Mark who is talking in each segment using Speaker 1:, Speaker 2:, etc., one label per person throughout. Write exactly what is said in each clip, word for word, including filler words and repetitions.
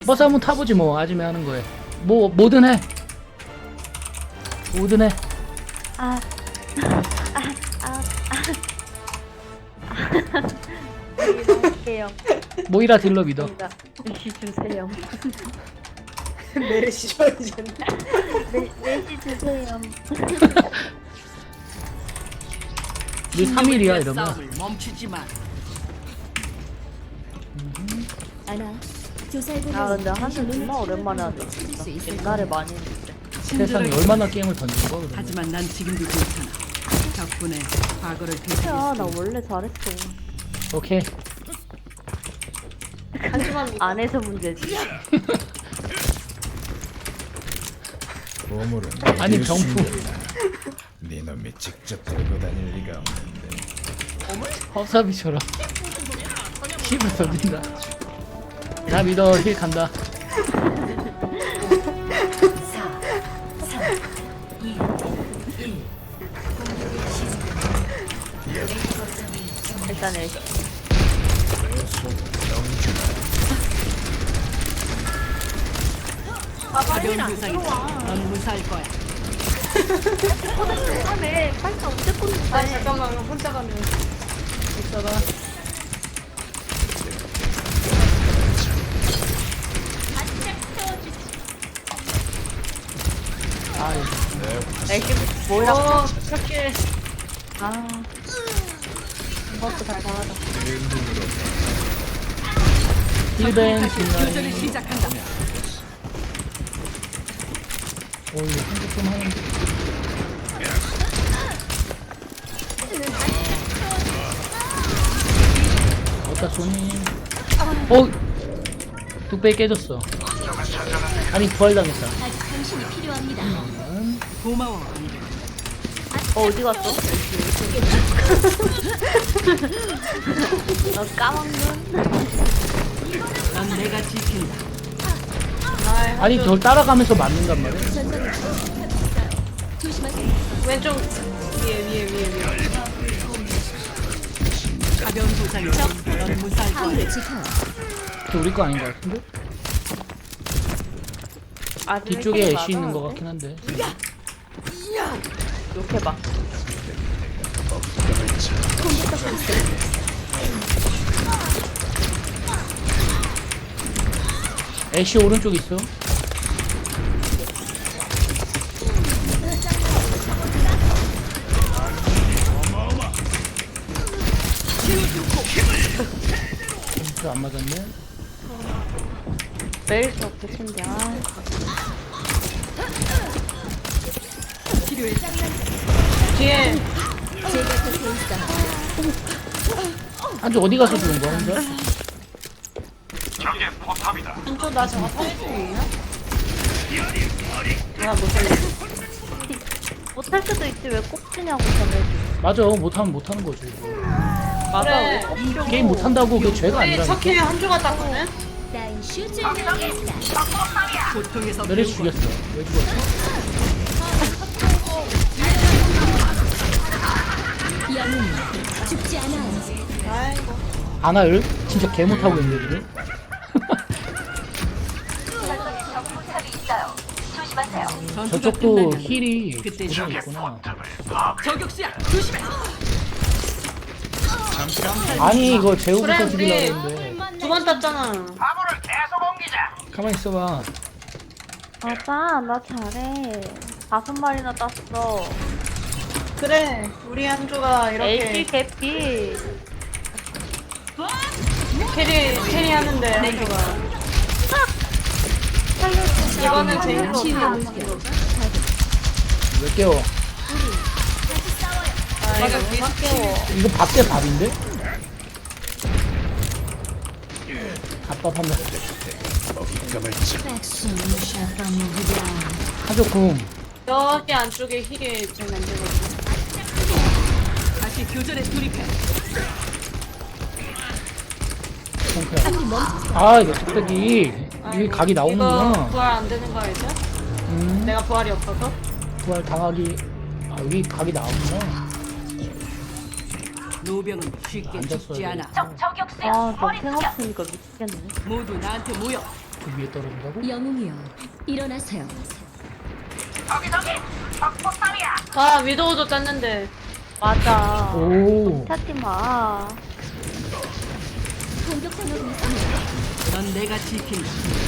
Speaker 1: 버스 한번 타보지 뭐. 아침에 하는 거에 뭐 뭐든 해. 뭐든 해.
Speaker 2: 아, 아, 아, 아. 믿어볼게요.
Speaker 1: 모이라 딜러 믿어.
Speaker 2: 뭔가 메시 주세요.
Speaker 3: 메르시 좋아하잖아.
Speaker 2: 메, 메시 주세요.
Speaker 1: 네 삼 일이야 이러면.
Speaker 4: 싸움을 멈추지 마.
Speaker 5: 아나 조살구를
Speaker 2: 아 근데 한줄 정말 오랜만에 하네. 진짜. 옛날에 많이 했는데.
Speaker 1: 세상에 얼마나 게임을 던진 거야 그러면.
Speaker 4: 하지만 난 지금도 괜찮아. 덕분에 과거를
Speaker 2: 야,
Speaker 4: 되새겼어.
Speaker 2: 나 원래 잘했어.
Speaker 1: 오케이.
Speaker 3: 하지만 이거
Speaker 2: 안에서 문제지.
Speaker 6: 보물은
Speaker 1: 아니,
Speaker 6: 어디에
Speaker 1: 병풍.
Speaker 6: 숨겼나? 네 놈이 직접 들고 다닐 리가 없는데.
Speaker 1: 허사비처럼 힘을 던진다. 나 믿어. 힐 간다.
Speaker 2: 일단 애
Speaker 4: 가벼운 부상이다. 넌 무사할 거야.
Speaker 2: 하네. 팔자 언제
Speaker 3: 아
Speaker 2: 꽂는데?
Speaker 3: 잠깐만 혼자 가면
Speaker 1: 있어라. 아이,
Speaker 2: 애기 뭐야?
Speaker 3: 어 착해.
Speaker 2: 아. 이것도 잘 나가다.
Speaker 1: 힐벤
Speaker 4: 교전을
Speaker 1: 딜라인.
Speaker 4: 시작한다.
Speaker 1: 오 이거 한국 좀 하는데. 어따 소니. 어. 뚝배기 깨졌어. 아니 부활당했다.
Speaker 5: 아직 당신이 필요합니다.
Speaker 4: 고마워.
Speaker 2: 어 어디 갔어? 너 까먹는?
Speaker 4: 넌 내가 지킨다.
Speaker 1: 아니 널 따라가면서 맞는단 말이야.
Speaker 5: 조심하세요.
Speaker 3: 왼쪽 위에 위에 위에 위에.
Speaker 4: 가벼운 부상이다. 넌 무사할 거야.
Speaker 5: 하늘을 지켜요.
Speaker 1: 저 우리 거 아닌 것 같은데?
Speaker 2: 아,
Speaker 1: 뒤쪽에 애쉬 있는 것 같긴 한데.
Speaker 2: 욕해봐.
Speaker 1: 애쉬 오른쪽 있어. 안 맞았네.
Speaker 2: 매일 수업 대신데. 아.
Speaker 3: 뒤에
Speaker 5: 제가 곁에 있어.
Speaker 1: 한쪽 어디 가서 죽은 거야 혼자?
Speaker 3: 한쪽 나 저거 탈 수 있나? 나 못하겠어.
Speaker 2: 못할 수도 있지 왜 꼭 치냐고 전에.
Speaker 1: 맞아 못하면 못하는 거지.
Speaker 2: 맞아.
Speaker 3: 그래.
Speaker 1: 게임 못한다고 그게 죄가
Speaker 3: 우리
Speaker 1: 아니라.
Speaker 3: 석희 한조가 땄거든.
Speaker 5: 나인 슈즈를 넣겠습니다.
Speaker 4: 고통에서
Speaker 1: 너를
Speaker 4: 배운
Speaker 1: 죽였어. 왜 죽었어?
Speaker 5: 영웅 죽지 않아요.
Speaker 3: 아이고.
Speaker 1: 아나을 진짜 개 못하고 있는데 지금.
Speaker 4: 전투가
Speaker 1: 저쪽도
Speaker 4: 끝나면
Speaker 1: 힐이
Speaker 4: 그때
Speaker 1: 고생했구나.
Speaker 4: 저격수야. 조심해.
Speaker 1: 아니 이거 제우부터
Speaker 3: 그래,
Speaker 1: 죽이려고
Speaker 3: 우리
Speaker 1: 했는데.
Speaker 3: 두 번 땄잖아.
Speaker 1: 가만히 있어봐.
Speaker 2: 맞아 나 잘해. 다섯 마리나 땄어.
Speaker 3: 그래. 우리 한조가
Speaker 2: 에이치
Speaker 3: 이렇게
Speaker 2: 개피.
Speaker 3: 캐리 캐리 하는데 한조가. 이거는 제일
Speaker 2: 치유.
Speaker 1: 왜 깨워?
Speaker 3: 아 이거 계속 깨워.
Speaker 1: 이거 밥 대 밥인데? 밥밥 한번.
Speaker 6: 먹잇감을 쳐.
Speaker 1: 한쪽 궁.
Speaker 3: 여기 안쪽에 힐이 좀 안 되거든.
Speaker 4: 다시 교전에 돌입해.
Speaker 1: 콩크야. 아 이거 뚝배기. 이게 각이
Speaker 3: 이거
Speaker 1: 나오는구나.
Speaker 3: 부활 안 되는 거 알죠?
Speaker 1: 음,
Speaker 3: 내가 부활이 없어서.
Speaker 1: 부활 당하기. 아 여기 각이 나오는구나.
Speaker 4: 노병은 쉽게
Speaker 1: 앉았어야
Speaker 4: 죽지
Speaker 1: 돼.
Speaker 4: 않아.
Speaker 2: 아너 탱없으니까 미치겠네.
Speaker 4: 모두 나한테 모여.
Speaker 1: 그 위에 떨어진다고?
Speaker 5: 영웅이여, 일어나세요.
Speaker 3: 아 위도우도 짰는데.
Speaker 2: 맞아.
Speaker 1: 오.
Speaker 2: 찾지 마.
Speaker 5: 공격당하고 있습니다.
Speaker 4: 넌 내가 지킨다.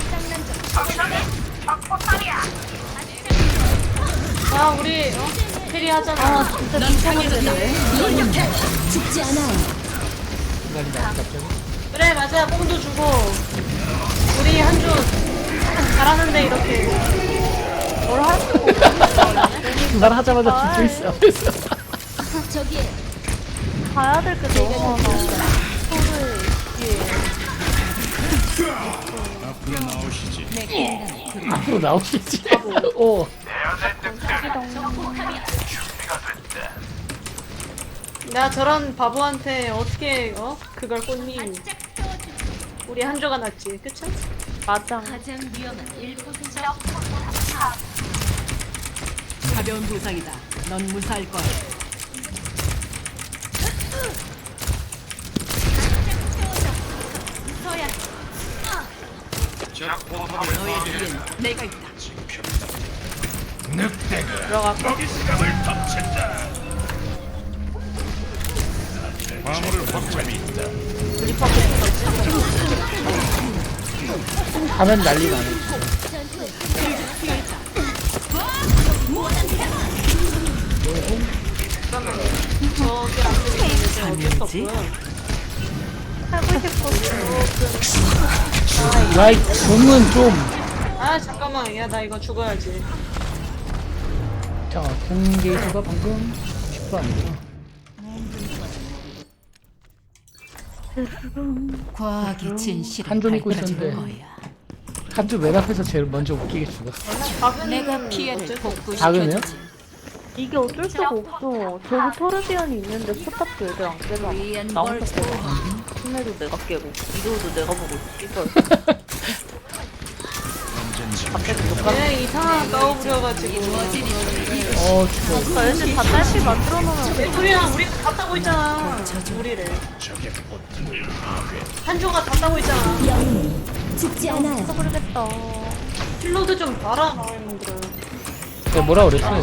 Speaker 3: 아 우리 어? 캐리 하잖아.
Speaker 2: 아 진짜 미쳐버리겠네.
Speaker 5: 이렇게 죽지 않아요.
Speaker 1: 순간이다 갑자기.
Speaker 3: 그래 맞아 뽕도 주고 우리 한주 잘하는데 이렇게
Speaker 2: 뭘 할 수가 없어.
Speaker 1: 말 하자마자 죽고 있어 앞에서.
Speaker 5: 저기에
Speaker 2: 가야 될 게 너무 많아. 소를 뒤에.
Speaker 6: 앞으로 나오시지.
Speaker 5: 내 공간을
Speaker 1: 앞으로 나오시지. 오.
Speaker 3: 나 저런 바보한테 어떻게 어 그걸 꽂니? 우리 한조가 낫지, 그쵸?
Speaker 2: 맞아.
Speaker 5: 가장 위험한 일 퍼센트.
Speaker 4: 가벼운 부상이다. 넌 무사할 거야. 너의 뒤엔 내가 있다.
Speaker 6: 늑대가
Speaker 3: 들어갔고.
Speaker 6: 화물을 확jam이 있다.
Speaker 1: 가면 난리 나네.
Speaker 3: 저기 안 되는데 어쩔 수 없고요.
Speaker 2: 하고 싶었어.
Speaker 1: 야이 공은 좀.
Speaker 3: 아 잠깐만, 야 나 이거 죽어야지.
Speaker 1: 자, 공 게이트가 방금 십 퍼센트 아니구나.
Speaker 4: 과학이 진실을
Speaker 1: 한조 믿고 있었는데 한조 맨 앞에서 제일 먼저 웃기게 죽었어.
Speaker 3: 박은
Speaker 4: 내가 피해를
Speaker 1: 작으네요?
Speaker 4: 복구시켜주지.
Speaker 2: 이게 어쩔 수가 없어. 저기 토르비언이 있는데 포탑도 애들 안 깨잖아. 나 혼자 깨고. 신내도 내가 깨고. 이도도 내가 보고 있어. 갑자기 녹아.
Speaker 3: 얘 이상한 까오 부려가지고.
Speaker 1: 어, 죽어.
Speaker 2: 나 애들 다 딸피 만들어 놓으면
Speaker 3: 우리랑 우리 다 따고 있잖아. 우리를.
Speaker 6: 적의 포탑을 파괴.
Speaker 3: 한조가 다 따고 있잖아.
Speaker 5: 영웅이 죽지 않아요.
Speaker 2: 모르겠다.
Speaker 3: 킬로드 좀 봐라, 마음들을.
Speaker 1: 내가 뭐라 그랬어?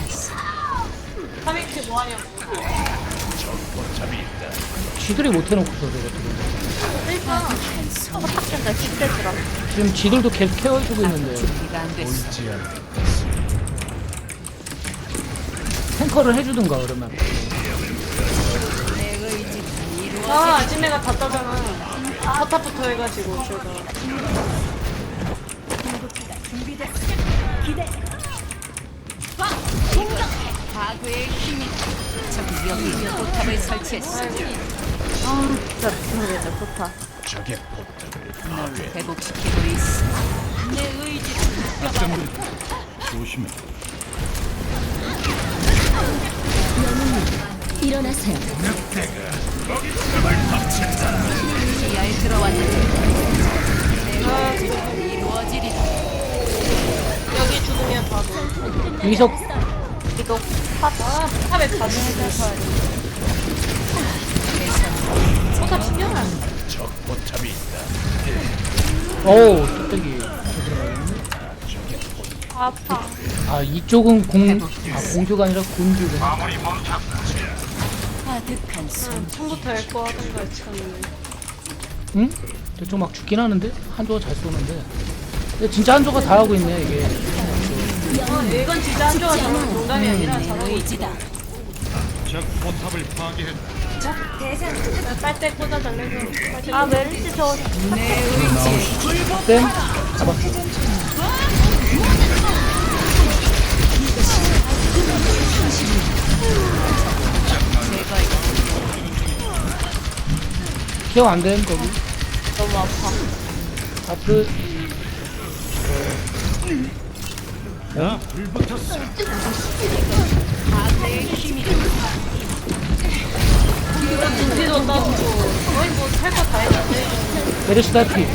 Speaker 3: 카미키 뭐하냐고.
Speaker 6: 포탑이 있다.
Speaker 1: 지들이 못 해놓고서 저거.
Speaker 3: 그러니까.
Speaker 2: 포탑된다 십대주라.
Speaker 1: 지금 지들도 계속 케어해주고 있는데
Speaker 4: 준비가 안 됐어.
Speaker 6: 옳지 않겠어.
Speaker 1: 탱커를 해주든가 그러면.
Speaker 4: 내 의지는 이루어.
Speaker 3: 아, 아지매가 다 따잖아. 포탑부터 해가지고, 제가.
Speaker 4: 과거의 힘이다. 저기 여기 포탑을 설치했어.
Speaker 2: 아 진짜 미쳐버리겠네 포탑.
Speaker 6: 적의 포탑을
Speaker 4: 널
Speaker 6: 파괴.
Speaker 4: 회복시키고 있어. 내 의지는
Speaker 6: 조심해.
Speaker 5: 일어나세요.
Speaker 4: 지하에 들어왔는데 내 의지는 이루어지리라.
Speaker 3: 여기 죽으면 바보.
Speaker 1: 이석
Speaker 2: 이거 탑.
Speaker 3: 아, 포탑에 다 죽으면 포탑 신경 안 써.
Speaker 6: 적 포탑이 있다.
Speaker 1: 어우 뚝배기.
Speaker 2: 아파.
Speaker 1: 아 이쪽은 공, 아 공주가 아니라 군주구나.
Speaker 4: 아득한 손.
Speaker 3: 처음부터 앨거 하던가, 참.
Speaker 1: 응? 저쪽 막 죽긴 하는데 한조가 잘 쏘는데. 근데 진짜 한조가 다 하고 있네 이게.
Speaker 3: 어, 이건 진짜 한조가 저런 농담이 아니라 잘하고 있어.
Speaker 4: 의지다.
Speaker 6: 적 포탑을 파괴했다.
Speaker 3: 빨대 꽂아 달래서. 빨대
Speaker 2: 아 멜시 저
Speaker 4: 내 의지.
Speaker 1: 쌤 잡았어. 케어 안됨 거기.
Speaker 2: 너무 아파.
Speaker 1: 앞으로
Speaker 6: 나 불붙었어.
Speaker 4: 과거의 힘이다.
Speaker 3: 준비도 따고. 거의 뭐 할 거 다 했는데.
Speaker 1: 메르시 다피.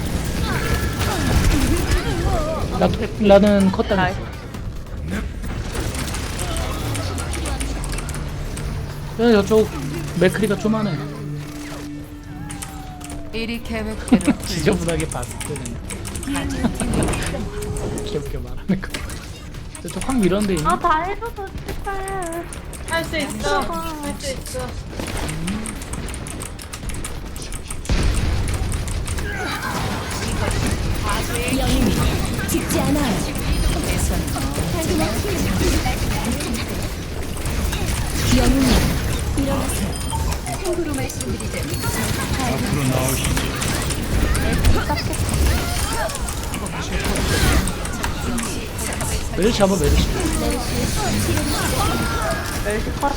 Speaker 1: 나 나는 컸다. 그냥 저쪽 맥크리가 좀하네.
Speaker 4: 이리 계획대로
Speaker 1: 지저분하게 봤을 때는 귀엽게 말하는 거. 저쪽 확 밀었는데 이미.
Speaker 2: 아, 다 해줘서 제발.
Speaker 3: 할 수 있어. 할 수 있어.
Speaker 5: 영웅이 죽지 않아요. 영웅이 일어나세요. 참고로 말씀드리자.
Speaker 6: 앞으로 나오시지.
Speaker 1: 메르시 한번 메르시.
Speaker 2: 멸시 컷.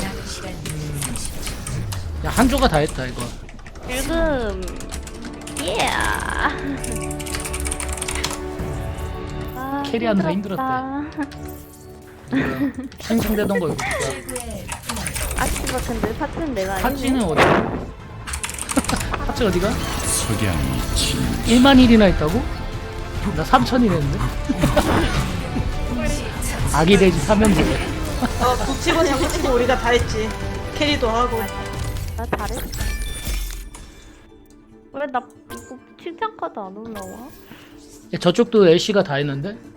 Speaker 1: 야 한조가 다 했다 이거.
Speaker 2: 지금 예. 아,
Speaker 1: 캐리하느라 힘들었대. 생성되던 거 이거 진짜.
Speaker 2: 아치 같은데 파츠는 내가 아니네.
Speaker 1: 파찌는 어디야? 파찌 어디가?
Speaker 6: 석양이 진.
Speaker 1: 일만 일이나 있다고? 나 삼천이랬는데. 아기 돼지 삼연제.
Speaker 3: 어, 북치고 장구치고 우리가 다 했지. 캐리도 하고.
Speaker 2: 나 잘했어. 왜 나 이거 칭찬 카드 안 올라와?
Speaker 1: 저쪽도 엘씨가 다 했는데.